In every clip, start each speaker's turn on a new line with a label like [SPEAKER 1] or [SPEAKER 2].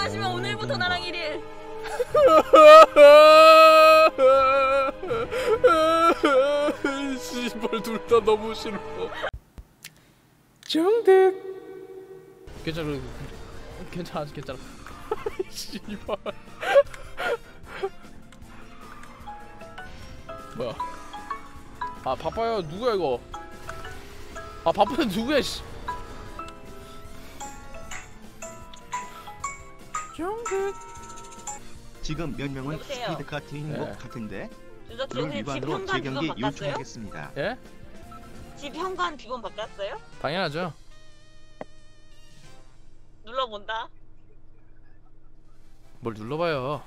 [SPEAKER 1] 마시면 오늘부터 나랑 1일.
[SPEAKER 2] 씨발 둘 다 너무 싫어. 정득. 괜찮아. 괜찮아. 괜찮아. 씨발. 뭐야? 아 바빠요. 누구야 이거? 아 바쁜데 누구야 씨. 정득.
[SPEAKER 3] 지금 몇 명은
[SPEAKER 1] 여보세요?
[SPEAKER 3] 스피드카 트인 것 같은데 룰
[SPEAKER 1] 집
[SPEAKER 3] 위반으로
[SPEAKER 1] 현관
[SPEAKER 3] 재경기
[SPEAKER 1] 비번 바꿨어요?
[SPEAKER 3] 요청하겠습니다.
[SPEAKER 2] 예?
[SPEAKER 1] 집 현관 비번 바꿨어요?
[SPEAKER 2] 당연하죠.
[SPEAKER 1] 눌러본다.
[SPEAKER 2] 뭘 눌러봐요.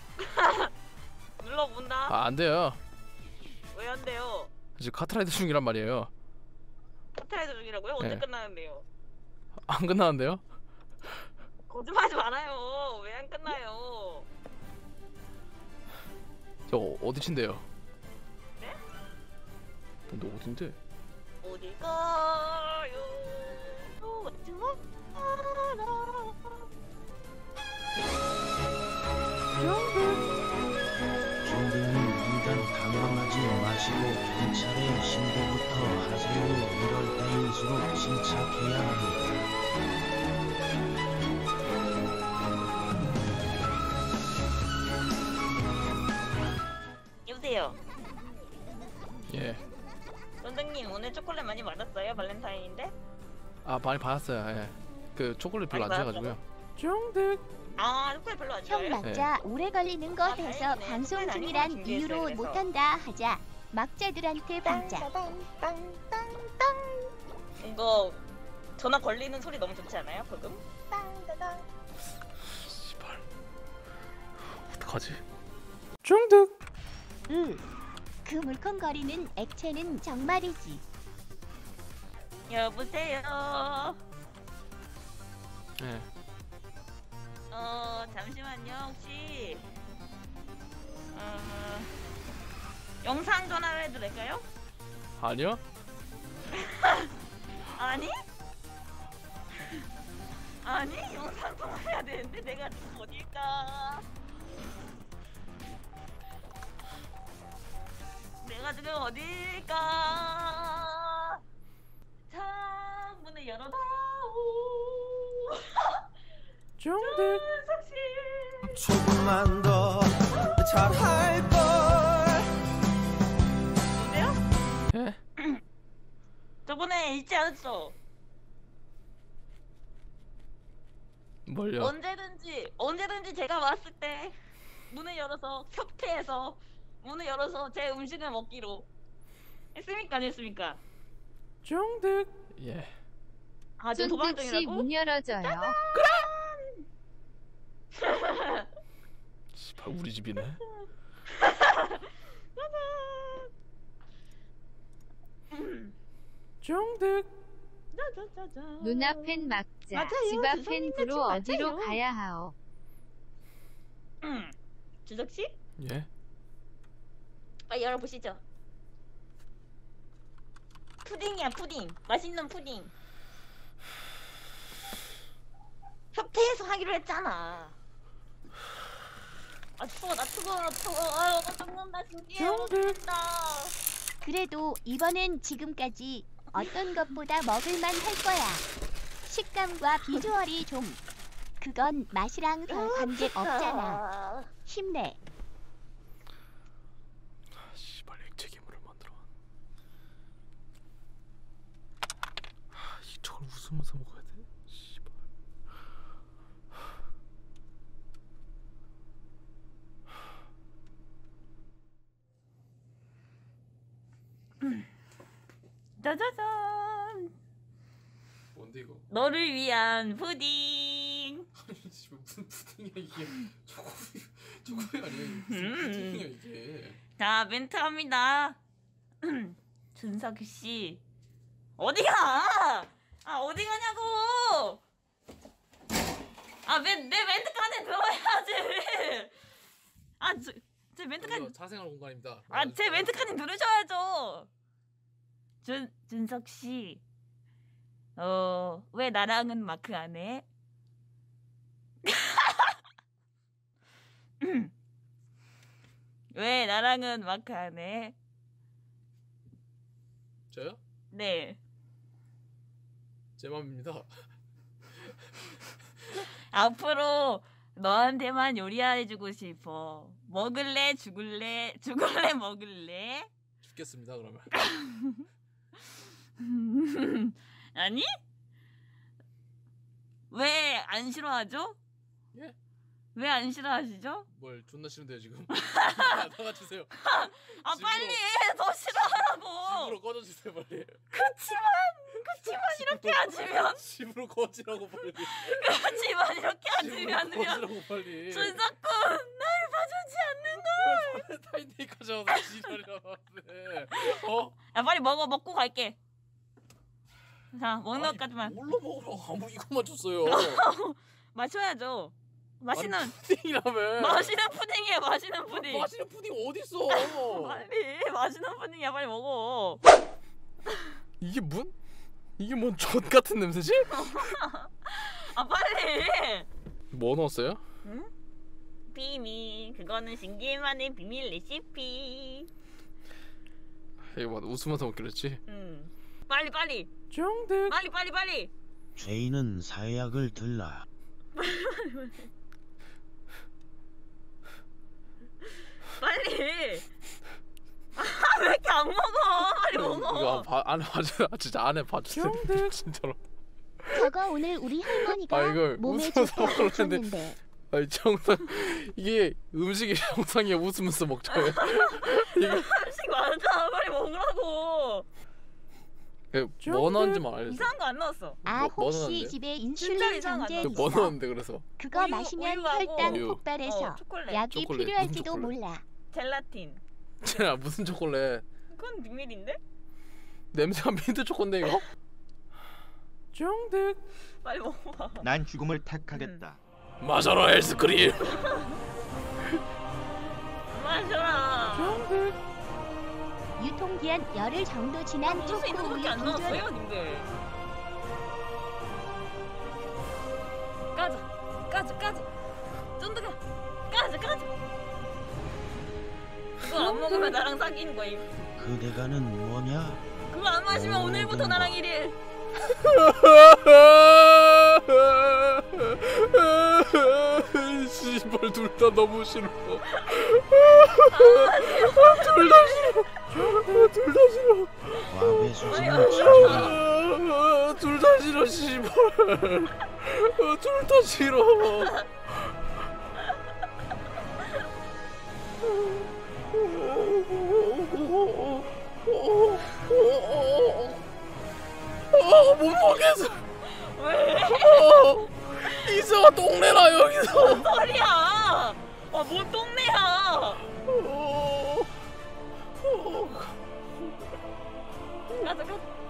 [SPEAKER 1] 눌러본다.
[SPEAKER 2] 아 안돼요.
[SPEAKER 1] 왜 안 돼요?
[SPEAKER 2] 지금 카트라이더 중이란 말이에요.
[SPEAKER 1] 카트라이더 중이라고요? 언제
[SPEAKER 2] 네.
[SPEAKER 1] 끝나는데요?
[SPEAKER 2] 안 끝나는데요?
[SPEAKER 1] 거짓말하지 말아요. 왜 안 끝나요?
[SPEAKER 2] 저 어디 친데요?
[SPEAKER 1] 네?
[SPEAKER 2] 너 어딘데?
[SPEAKER 1] 어디 가요? 좋아.
[SPEAKER 4] 정부는 일단 당황하지 마시고 경찰에 신고부터 하세요. 이럴 때일수록 침착해야 합니다.
[SPEAKER 1] 여보세요.
[SPEAKER 2] 예.
[SPEAKER 1] 선생님 오늘 초콜릿 많이 받았어요? 발렌타인인데?
[SPEAKER 2] 아 많이 받았어요. 예. 그 초콜릿 별로 안
[SPEAKER 1] 많이
[SPEAKER 2] 좋아해가지고요. 정득.
[SPEAKER 1] 아 초콜릿 별로 안
[SPEAKER 5] 형
[SPEAKER 1] 좋아해요?
[SPEAKER 5] 막자 오래 걸리는 거 돼서
[SPEAKER 1] 다행이네.
[SPEAKER 5] 방송
[SPEAKER 1] 초콜릿
[SPEAKER 5] 중이란
[SPEAKER 1] 아니고
[SPEAKER 5] 이유로
[SPEAKER 1] 준비했어요, 그래서.
[SPEAKER 5] 못한다 하자. 막자들한테 받자.
[SPEAKER 1] 이거 전화 걸리는 소리 너무 좋지 않아요? 방금?
[SPEAKER 2] 씨발. 어떡하지? 정득.
[SPEAKER 5] 그 물컹거리는 액체는 정말이지.
[SPEAKER 1] 여보세요.
[SPEAKER 2] 예.
[SPEAKER 1] 잠시만요. 혹시 영상 전화를 해도 될까요?
[SPEAKER 2] 아니요?
[SPEAKER 1] 아니? 아니? 영상 통화해야 되는데 내가 지금 어딜까? 내가 지금 어딜까? 창문을 열어다오.
[SPEAKER 2] 정득.
[SPEAKER 4] 조금만 더 잘할걸.
[SPEAKER 1] 여보세요?
[SPEAKER 2] 예?
[SPEAKER 1] 저번에 잊지 않았어.
[SPEAKER 2] 뭘요?
[SPEAKER 1] 언제든지 제가 왔을 때 문을 열어서 협회에서 문을 열어서 제 음식을 먹기로 했습니까? 안 했습니까?
[SPEAKER 2] 정득. 예.
[SPEAKER 1] 아, 지금 도망 중이라고?
[SPEAKER 6] 문 열어줘요.
[SPEAKER 2] 씨발 우리 집이네. 정득.
[SPEAKER 6] 눈앞엔 막자.
[SPEAKER 1] 맞아요.
[SPEAKER 6] 집 앞엔
[SPEAKER 1] 주성님
[SPEAKER 6] 구로
[SPEAKER 1] 맞아요.
[SPEAKER 6] 어디로 가야 하오?
[SPEAKER 1] 주석 씨?
[SPEAKER 2] 예?
[SPEAKER 1] 빨리 열어보시죠. 푸딩이야, 푸딩. 맛있는 푸딩. 협회에서 하기로 했잖아. 아 추워, 나 추워. 아유, 나 죽는다, 진짜. 죽는다.
[SPEAKER 5] 그래도 이번엔 지금까지 어떤 것보다 먹을만 할 거야. 식감과 비주얼이 좀. 그건 맛이랑 별 관계 없잖아. 힘내.
[SPEAKER 2] 씨발 액체 괴물을 만들어. 저걸 웃으면서 먹어야 돼? 씨발.
[SPEAKER 1] 짜자잔.
[SPEAKER 2] 뭔데 이거?
[SPEAKER 1] 너를 위한 푸딩.
[SPEAKER 2] 아니 씨발 무슨 푸딩이야 이게? 초코우유 아니야? 무슨 푸딩이야 이게?
[SPEAKER 1] 자, 멘트 합니다. 준석 씨. 어디가? 아, 어디 가냐고! 아, 내 멘트까지 들어야지! 아, 제 멘트까지.
[SPEAKER 2] 사생활 공간입니다.
[SPEAKER 1] 아, 제 멘트까지 들으셔야죠! 준석 씨. 왜 나랑은 마크 안 해? 왜 나랑은 마크 안 해?
[SPEAKER 2] 저요?
[SPEAKER 1] 네.
[SPEAKER 2] 제 맘입니다.
[SPEAKER 1] 앞으로 너한테만 요리해주고 싶어. 먹을래? 죽을래? 죽을래? 먹을래?
[SPEAKER 2] 죽겠습니다 그러면.
[SPEAKER 1] 아니? 왜 안 싫어하죠?
[SPEAKER 2] 예?
[SPEAKER 1] 왜 안 싫어하시죠?
[SPEAKER 2] 뭘 존나 싫은데요 지금. 나가주세요.
[SPEAKER 1] 아
[SPEAKER 2] 집으로.
[SPEAKER 1] 빨리 더 싫어하라고.
[SPEAKER 2] 집으로 꺼져주세요 빨리.
[SPEAKER 1] 그치만 이렇게 하지면
[SPEAKER 2] 집으로 꺼지라고 빨리.
[SPEAKER 1] 그치만 이렇게
[SPEAKER 2] 집으로
[SPEAKER 1] 하지면
[SPEAKER 2] 꺼지라고 빨리.
[SPEAKER 1] 준석군 날 봐주지 않는 걸.
[SPEAKER 2] 타인데이까지 와서 지랄이라 나왔네. 어?
[SPEAKER 1] 야 빨리 먹고 갈게. 자 먹는
[SPEAKER 2] 아니,
[SPEAKER 1] 것까지만
[SPEAKER 2] 뭘로 먹으라고 아무 이것만 줬어요.
[SPEAKER 1] 마셔야죠. 맛있는
[SPEAKER 2] 아니, 푸딩이라며.
[SPEAKER 1] 맛있는 푸딩이야. 맛있는 푸딩.
[SPEAKER 2] 맛있는 푸딩 어딨어?
[SPEAKER 1] 빨리 맛있는 푸딩이야. 빨리 먹어.
[SPEAKER 2] 이게 뭔 젖 같은 냄새지?
[SPEAKER 1] 아 빨리.
[SPEAKER 2] 뭐 넣었어요?
[SPEAKER 1] 응? 비밀. 그거는 신기만의 비밀 레시피.
[SPEAKER 2] 이거 뭐 웃으면서 먹기로 했지.
[SPEAKER 1] 응. 빨리.
[SPEAKER 2] 정득.
[SPEAKER 1] 빨리.
[SPEAKER 4] 죄인은 사약을 들라.
[SPEAKER 1] 빨리. 왜 이렇게 안 먹어? 빨리 먹어.
[SPEAKER 2] 이거 안에 봐줘. 진짜 안에 봐주세요. 진짜로.
[SPEAKER 5] 저거 오늘 우리 할머니가
[SPEAKER 2] 아, 이걸
[SPEAKER 5] 몸에
[SPEAKER 2] 웃으면서
[SPEAKER 5] 좋다고
[SPEAKER 2] 먹으려는데.
[SPEAKER 5] 줬는데
[SPEAKER 2] 아니 정상 이게 음식이 정상이야. 웃으면서 먹자요. 이거
[SPEAKER 1] 음식 많다. 빨리 먹으라고.
[SPEAKER 2] 뭐 넣었는지만 알려줘.
[SPEAKER 1] 이상한 거 안 넣었어.
[SPEAKER 5] 아
[SPEAKER 2] 뭐
[SPEAKER 5] 혹시
[SPEAKER 2] 넣었는데?
[SPEAKER 5] 집에
[SPEAKER 1] 진짜
[SPEAKER 5] 인슐린
[SPEAKER 1] 이상한 거
[SPEAKER 5] 정제
[SPEAKER 1] 안
[SPEAKER 2] 뭐
[SPEAKER 5] 있어?
[SPEAKER 2] 넣었는데 그래서
[SPEAKER 5] 그거
[SPEAKER 1] 우유,
[SPEAKER 5] 마시면
[SPEAKER 1] 우유하고
[SPEAKER 5] 혈당
[SPEAKER 2] 우유.
[SPEAKER 5] 폭발해서
[SPEAKER 1] 초콜릿.
[SPEAKER 5] 약이
[SPEAKER 2] 초콜릿,
[SPEAKER 5] 필요할지도
[SPEAKER 2] 무슨 초콜릿?
[SPEAKER 5] 몰라.
[SPEAKER 1] 젤라틴.
[SPEAKER 2] 야 무슨 초콜릿?
[SPEAKER 1] 그건 비밀인데?
[SPEAKER 2] 냄새가 민트 초코인데 이거? 정득.
[SPEAKER 1] 빨리 먹어봐.
[SPEAKER 3] 난 죽음을 택하겠다.
[SPEAKER 2] 마셔라 헬스크림.
[SPEAKER 1] 마셔라.
[SPEAKER 2] 정득.
[SPEAKER 5] 유통기한 열흘 정도 지난
[SPEAKER 1] 먹을 수 있는
[SPEAKER 5] 초코
[SPEAKER 1] 거밖에
[SPEAKER 5] 우유
[SPEAKER 1] 안
[SPEAKER 5] 두 줄.
[SPEAKER 1] 넣었어요, 님들. 까자. 쫀득아. 까자. 그거 안 먹으면 나랑 사귀는 거임.
[SPEAKER 4] 그대가는 뭐냐?
[SPEAKER 1] 그거 안 마시면 오늘부터 나랑 1일.
[SPEAKER 2] 씨발 둘 다 너무 싫어. 둘 다 싫어.
[SPEAKER 4] 과배 수준을 치료해.
[SPEAKER 2] 둘 다 싫어 씨발. 둘 다 싫어. 못 먹겠어.
[SPEAKER 1] 왜?
[SPEAKER 2] 이사가 똥내나 여기서.
[SPEAKER 1] 뭔 소리야? 뭔 똥내야? 가자.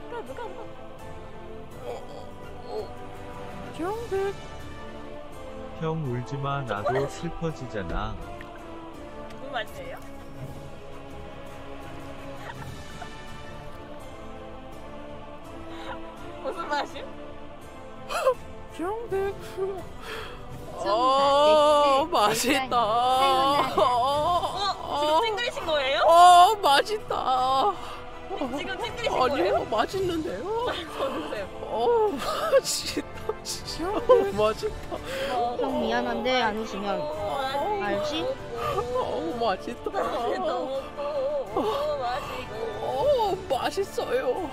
[SPEAKER 2] 정백.
[SPEAKER 7] 형 울지마 나도 슬퍼지잖아.
[SPEAKER 1] 무슨 맛이에요? 무슨 맛이요?
[SPEAKER 2] 정백.
[SPEAKER 6] 좀
[SPEAKER 2] 맛있다.
[SPEAKER 1] 지금 찡그리신 거예요?
[SPEAKER 2] 맛있다.
[SPEAKER 1] 지금 찡그리신 거예요?
[SPEAKER 2] 아니요, 맛있는데요.
[SPEAKER 1] 저주세요.
[SPEAKER 2] 맛있다. 진짜 맛있다.
[SPEAKER 5] 형 미안한데 안 웃으면 알지?
[SPEAKER 2] 맛있다.
[SPEAKER 1] 마시고
[SPEAKER 2] 맛있어요.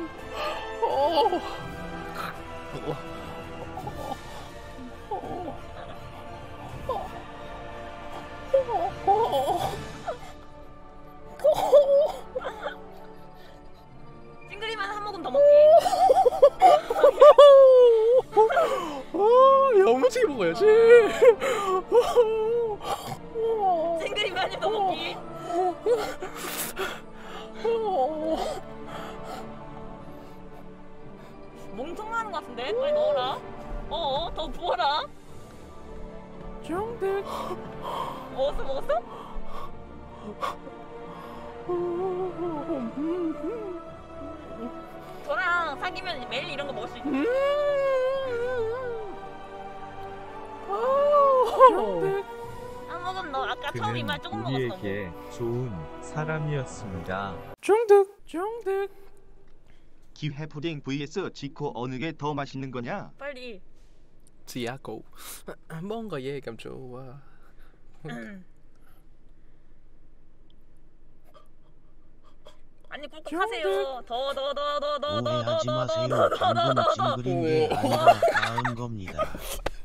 [SPEAKER 1] 찡그리면 한 모금 더 먹기.
[SPEAKER 2] 야무지게 먹어야지.
[SPEAKER 1] 찡그리면 한 입 더 먹기. 멍청하는 것 같은데? 빨리 넣어라. 더 부어라.
[SPEAKER 2] 정백.
[SPEAKER 1] 먹었어? 저랑 사귀면 매일 이런 거 먹을 수 있어.
[SPEAKER 2] 정백.
[SPEAKER 1] 한 조금 너 아까 처음 이 말
[SPEAKER 7] 그는
[SPEAKER 1] 조금 먹었어.
[SPEAKER 7] 우리에게 좋은 사람이었습니다.
[SPEAKER 2] 중득.
[SPEAKER 3] 기회 푸딩 vs 지코 어느 게 더 맛있는 거냐?
[SPEAKER 1] 빨리.
[SPEAKER 2] 지야고. 뭔가 얘기하면 좋아.
[SPEAKER 1] 아니 꿀꺽 하세요.
[SPEAKER 4] 오해하지 마세요. 방금 찡그린 게 아니라 나은 겁니다.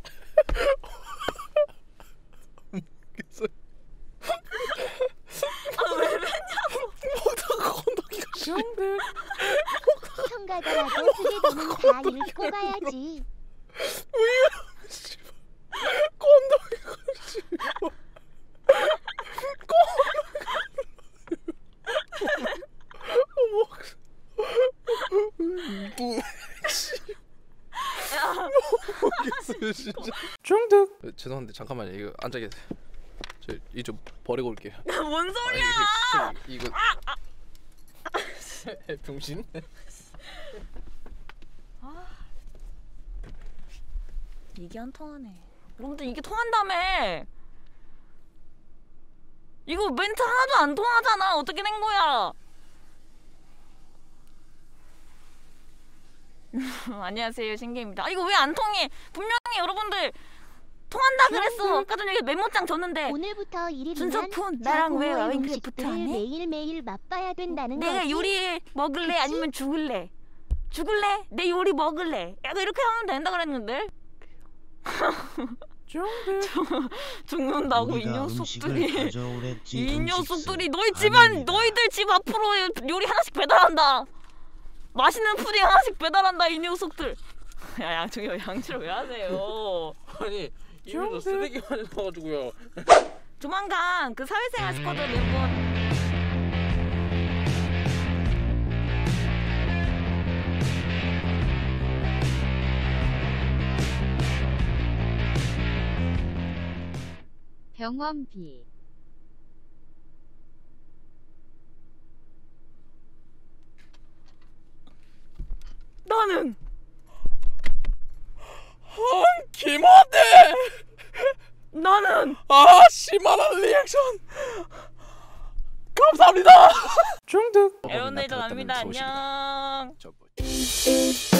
[SPEAKER 2] 중득.
[SPEAKER 8] 평가더라도 두 개 넘은 다 읽고 가야지.
[SPEAKER 2] 진짜. 중득. 죄송한데 잠깐만요. 이거 앉아 계세요. 저 이 좀 버리고 올게요.
[SPEAKER 1] 뭔 소리야?
[SPEAKER 2] 이거 병신?
[SPEAKER 1] 이게 안 통하네. 여러분들 이게 통한다며. 이거 멘트 하나도 안 통하잖아. 어떻게 된 거야? 안녕하세요, 신기입니다. 아, 이거 왜 안 통해? 분명히 여러분들 통한다 그랬어. 아까 전에 메모장 줬는데.
[SPEAKER 8] 오늘부터 1일이면
[SPEAKER 1] 준석푼 나랑 왜 와인크래프트 안 해?
[SPEAKER 8] 매일매일 맛봐야 된다는
[SPEAKER 1] 내가
[SPEAKER 8] 거지?
[SPEAKER 1] 요리 먹을래?
[SPEAKER 8] 그치?
[SPEAKER 1] 아니면 죽을래? 죽을래? 내 요리 먹을래? 약간 이렇게 하면 된다 그랬는데. 죽는다고 이
[SPEAKER 4] 우리가 음식을
[SPEAKER 1] 녀석들이.
[SPEAKER 4] 가져오랬지.
[SPEAKER 1] 이
[SPEAKER 4] 음식스.
[SPEAKER 1] 녀석들이 너희 집안
[SPEAKER 4] 아닙니다.
[SPEAKER 1] 너희들 집 앞으로 요리 하나씩 배달한다. 맛있는 푸딩 하나씩 배달한다 이 녀석들. 야 양쪽이 양치를 왜 하세요?
[SPEAKER 2] 아니 입에서 쓰레기만 나와가지고요.
[SPEAKER 1] 조만간 그 사회생활 스쿼드 멤버.
[SPEAKER 6] 병원비.
[SPEAKER 1] 나는
[SPEAKER 2] 김원대.
[SPEAKER 1] 나는
[SPEAKER 2] 아 심한 리액션. 감사합니다. 중득.
[SPEAKER 1] 에어네이저 납니다. 안녕.
[SPEAKER 2] 저거.